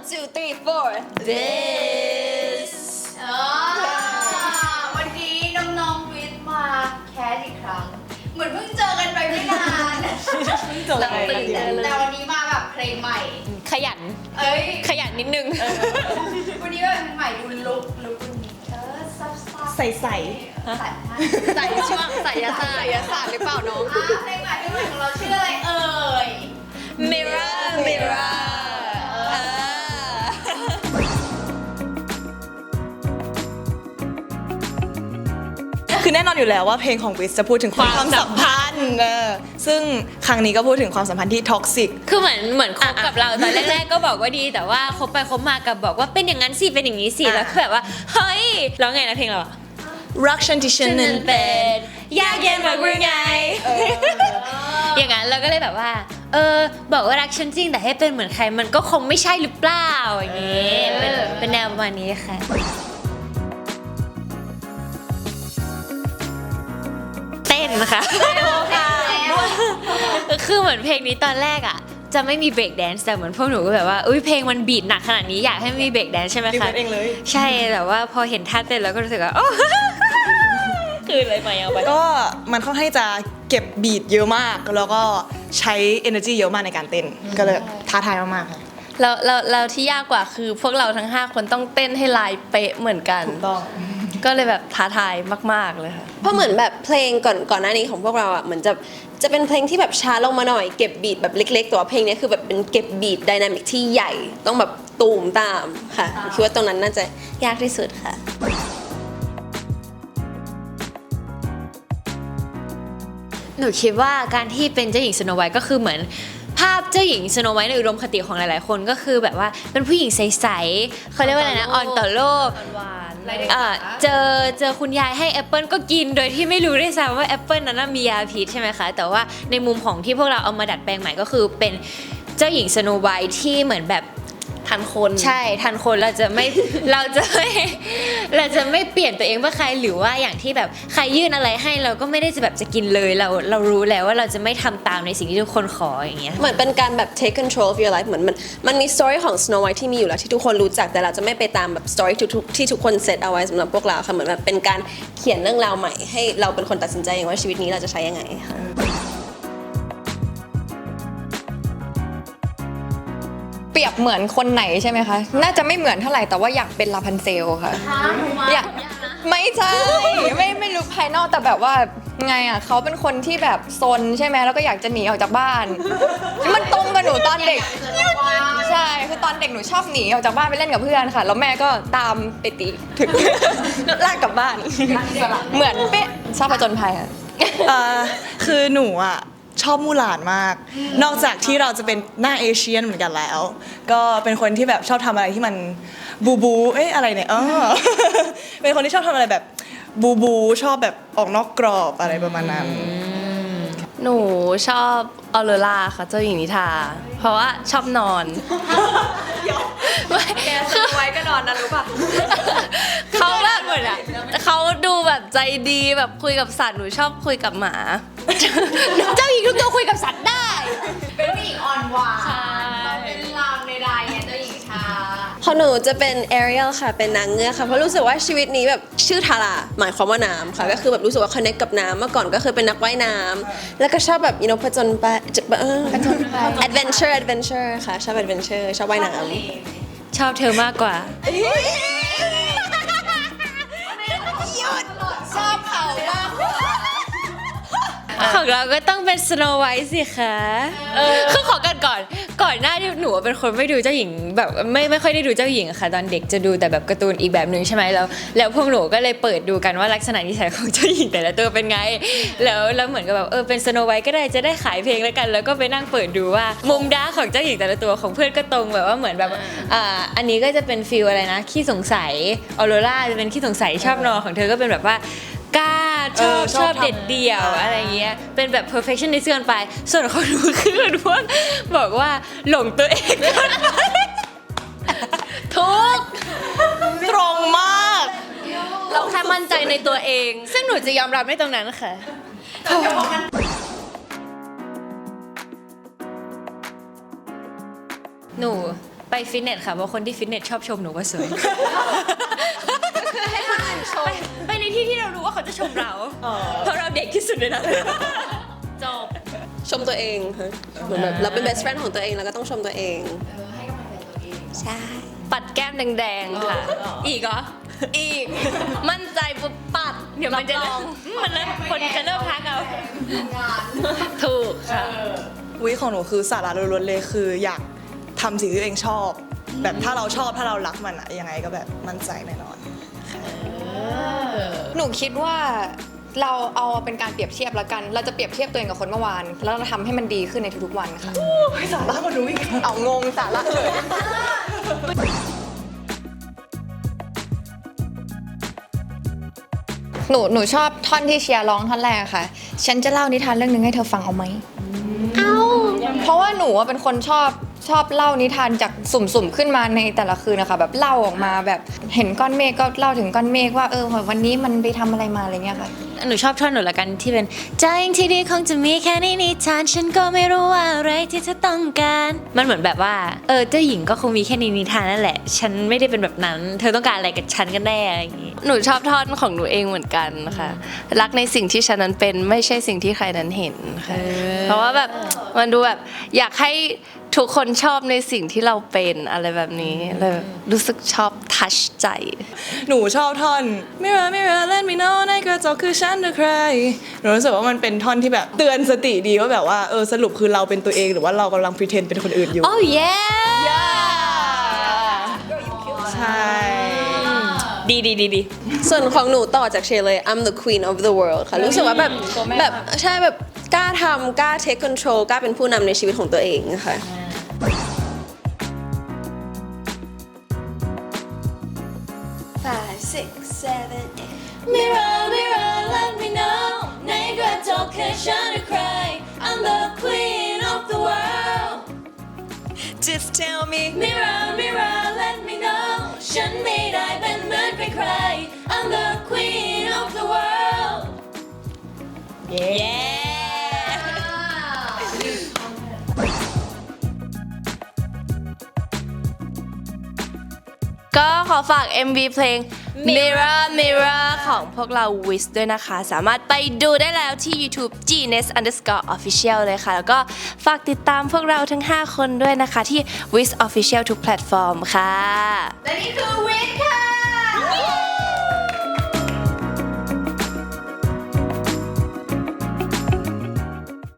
two three four this วันนี้น้องๆวิทย์มาแคสอีกครั้งเหมือนเพิ่งเจอกันไปไม่นานเราตื่นเต้นเลยแต่วันนี้มาแบบเพลงใหม่ขยันเอ้ยขยันนิดนึงวันนี้แบบเพลงใหม่ดูลุกวันนี้ซับซ้อนใส่ใส่ใส่ช่วงใส่ยาศาสตร์หรือเปล่าน้องเพลงใหม่ของเราชื่ออะไรเอ่ย Mirror Mirror คือแน่นอนอยู่แล้วว่าเพลงของวิสจะพูดถึงความสัมพันธ์ซึ่งครั้งนี้ก็พูดถึงความสัมพันธ์ที่ท็อกซิกคือเหมือนคบกับเราตอนแรกๆก็บอกว่าดีแต่ว่าคบไปคบมากับบอกว่าเป็นอย่างนั้นสิเป็นอย่างนี้สิแล้วคือแบบว่าเฮ้ยร้องไงนะเพลงเราอะรักฉันที่ฉันนั้นเป็นยากเย็นมากหรือไงอย่างนั้นเราก็เลยแบบว่าบอกว่ารักฉันจริงแต่ให้เป็นเหมือนใครมันก็คงไม่ใช่หรือเปล่าอย่างงี้เป็นแนวประมาณนี้ค่ะเต้นนะคะคือเหมือนเพลงนี้ตอนแรกอ่ะจะไม่มีเบรกแดนซ์แต่เหมือนพวกหนูก็แบบว่าอุ้ยเพลงมันบีทหนักขนาดนี้อยากให้มีเบรกแดนซ์ใช่ไหมคะเองเลยใช่แต่ว่าพอเห็นท่าเต้นแล้วก็รู้สึกว่าโอ้คือเลยมาเอาไปก็มันค่อนข้างจะเก็บบีทเยอะมากแล้วก็ใช้ energy เยอะมากในการเต้นก็เลยท้าทายมากๆค่ะเราที่ยากกว่าคือพวกเราทั้ง5คนต้องเต้นให้ลายเป๊ะเหมือนกันถูกต้องก็เลยแบบท้าทายมากๆเลยค่ะเพราะเหมือนแบบเพลงก่อนหน้านี้ของพวกเราอ่ะเหมือนจะเป็นเพลงที่แบบช้าลงมาหน่อยเก็บบีทแบบเล็กๆแต่ว่าเพลงนี้คือแบบเป็นเก็บบีทไดนามิกที่ใหญ่ต้องแบบตูมตามค่ะคิดว่าตรงนั้นน่าจะยากที่สุดค่ะหนูคิดว่าการที่เป็นเจ้าหญิงสโนไวท์ก็คือเหมือนภาพเจ้าหญิงสโนไวท์ในอุดมคติของหลายๆคนก็คือแบบว่าเป็นผู้หญิงใสๆเขาเรียกว่าอะไรนะอ่อนต่อโลกเจอคุณยายให้แอปเปิลก็กินโดยที่ไม่รู้ด้วยซ้ำว่าแอปเปิลนั้นมียาพิษใช่ไหมคะแต่ว่าในมุมของที่พวกเราเอามาดัดแปลงใหม่ก็คือเป็นเจ้าหญิงสโนไวท์ที่เหมือนแบบทันคนใช่ทันคนเราจะไม่เปลี่ยนตัวเองเพื่อใครหรือว่าอย่างที่แบบใครยื่นอะไรให้เราก็ไม่ได้จะแบบจะกินเลยเรารู้แล้วว่าเราจะไม่ทำตามในสิ่งที่ทุกคนขออย่างเงี้ยเหมือนเป็นการแบบ take control of your life เหมือนมันมี story ของ Snow White ที่มีอยู่แล้วที่ทุกคนรู้จักแต่เราจะไม่ไปตามแบบ story ที่ทุกคนเซตเอาไว้สำหรับพวกเราค่ะเหมือนแบบเป็นการเขียนเรื่องราวใหม่ให้เราเป็นคนตัดสินใจเองว่าชีวิตนี้เราจะใช้ยังไงค่ะเปรียบเหมือนคนไหนใช่ไหมคะ น่าจะไม่เหมือนเท่าไหร่แต่ว่าอยากเป็นลาพันเซลค่ะอยากไม่ใช่ไม่รู้ภายนอกแต่แบบว่าไงอ่ะเขาเป็นคนที่แบบซนใช่ไหมแล้วก็อยากจะหนีออกจากบ้าน มันตรงกับหนูตอนเด็กใช่คือตอนเด็กหนูชอบหนีออกจากบ้านไปเล่นกับเพื่อนค่ะแล้วแม่ก็ตามไปตีถึง ลากกลับบ้านเหมือนเป๊ะชอบผจญภัยค่ะคือหนูอ่ะชอบมู่หลานมาก นอกจากที่เราจะเป็นหน้าเอเชียนเหมือนกันแล้ว ก็เป็นคนที่แบบชอบทำอะไรที่มันบูอะไรเนี่ย เป็นคนที่ชอบทำอะไรแบบบูชอบแบบออกนอกกรอบอะไรประมาณนั้นหนูชอบออโรราค่ะเจ้าหญิงนิทราเพราะว่าชอบนอนคือไว้ก็นอนนะรู้ป่ะเขาแบบเหมือนอะเขาดูแบบใจดีแบบคุยกับสัตว์หนูชอบคุยกับหมาเจ้าหญิงทุกตัวคุยกับสัตว์ได้เป็นผู้หญิงอ่อนหวานต้องเป็นลามในใดๆเนี่ยเจ้าหญิงชาพอหนูจะเป็น Ariel ค่ะเป็นนางเงือกค่ะเพราะรู้สึกว่าชีวิตนี้แบบชื่อทาราหมายความว่าน้ำค่ะก็คือแบบรู้สึกว่า connect กับน้ำเมื่อก่อนก็คือเป็นนักว่ายน้ำแล้วก็ชอบแบบผจญไปadventure ค่ะชอบ adventure ชอบว่ายน้ำชอบเธอมากกว่าของเราก็ต้องเป็นสโนไวท์สิคะคือขอกันก่อนหน้าที่หนูเป็นคนไม่ดูเจ้าหญิงแบบไม่ค่อยได้ดูเจ้าหญิงอะค่ะตอนเด็กจะดูแต่แบบการ์ตูนอีกแบบนึงใช่ไหมแล้วพวกหนูก็เลยเปิดดูกันว่าลักษณะนิสัยของเจ้าหญิงแต่ละตัวเป็นไงแล้วเหมือนกับแบบเป็นสโนไวท์ก็ได้จะได้ขายเพลงแล้วกันแล้วก็ไปนั่งเปิดดูว่ามุมด้าของเจ้าหญิงแต่ละตัวของเพื่อนก็ตรงแบบว่าเหมือนแบบอันนี้ก็จะเป็นฟีลอะไรนะขี้สงสัยออโรราจะเป็นขี้สงสัยชอบนอนของเธอก็เป็นแบบว่ากล้าชอบเด็ดเดี่ยวอะไรเงี้ยเป็นแบบ perfectionist เกินไปส่วนของหนูคือพวกบอกว่าหลงตัวเองเกินไปทุกตรงมากเราแค่มั่นใจในตัวเองซึ่งหนูจะยอมรับในตรงนั้นค่ะหนูไปฟิตเนสค่ะเพราะคนที่ฟิตเนสชอบชมหนูว่าสวยให้คนอื่นชมไปในที่ที่เรารู้ว่าเขาจะชมเราเพราะเราเด็กที่สุดในนั้นจบชมตัวเองค่ะเหมือนแบบเราเป็น best friend ของตัวเองเราก็ต้องชมตัวเองให้กำลังใจตัวเองใช่ปัดแก้มแดงๆค่ะอีกเหรออีก มั่นใจปุ๊บปัดเดี๋ยวมันจะรับรองมันเริ่มคนจะเริ่มทักเอางานถูกค่ะวิของหนูคือสาระล้วนๆเลยคืออยากทำสิ่งที่ตัวเองชอบ แบบถ้าเราชอบถ้าเรารักมันอะยังไงก็แบบมั่นใจแน่นอนหนูคิดว่าเราเอาเป็นการเปรียบเทียบแล้วกัน เราจะเปรียบเทียบตัวเองกับคนเมื่อวาน แล้วเราทำให้มันดีขึ้นในทุกๆวันค่ะสาระกว่าหนูอีกเอางงสาระเลย หนูชอบท่อนที่เชียร์ร้องท่อนแรกค่ะ ฉันจะเล่านิทานเรื่องหนึงให้เธอฟังเอาไหม เพราะว่าหนูอะเป็นคนชอบเล่านิทานจากสุ่มๆขึ้นมาในแต่ละคืนนะคะแบบเล่าออกมาแบบเห็นก้อนเมฆก็เล่าถึงก้อนเมฆว่าวันนี้มันไปทำอะไรมาอะไรเงี้ยค่ะหนูชอบท่อนหนูละกันที่เป็นใจที่ดีคงจะมีแค่ในนิทานฉันก็ไม่รู้ว่าอะไรที่เธอต้องการมันเหมือนแบบว่าเจ้าหญิงก็คงมีแค่ในนิทานนั่นแหละ ฉันไม่ได้เป็นแบบนั้น เธอต้องการอะไรกับฉันกันแน่อะไรอย่างงี้หนูชอบท่อนของหนูเองเหมือนกันค่ะ รักในสิ่งที่ฉันนั้นเป็นไม่ใช่สิ่งที่ใครนั้นเห็นค่ะ เพราะว่าแบบมันดูแบบอยากให้ทุกคนชอบในสิ่งที่เราเป็นอะไรแบบนี้เลยรู้สึกชอบทัชใจหนูชอบท่อน Mirror Mirror let me know ในกระจกคือฉันหรือใคร หนูรู้สึกว่ามันเป็นท่อนที่แบบเตือนสติดีว่าแบบว่าสรุปคือเราเป็นตัวเองหรือว่าเรากำลัง pretend เป็นคนอื่นอยู่ Oh yeah ใช่ดีส่วนของหนูต่อจากเชยร์เลย I'm the queen of the world ค่ะ รู้สึกว่าแบบใช่แบบกล้าทำกล้า take control กล้าเป็นผู้นำในชีวิตของตัวเองค่ะ 5, 6, 7, 8 Mirror Mirror let me know ในกระจกคือฉันหรือใคร I'm the queen of the world Just tell me Mirror Mirror let me know ฉันไม่ได้เป็นเหมือนใครๆ I'm the queen of the world Yeah ก็ขอฝาก MV เพลง Mirror Mirror ของพวกเรา Wiz ด้วยนะคะ สามารถไปดูได้แล้วที่ YouTube gnes_official เลยค่ะ แล้วก็ฝากติดตามพวกเราทั้ง 5 คนด้วยนะคะที่ Wiz Official ทุกแพลตฟอร์มค่ะและนี่คือวิทย์ค่ะ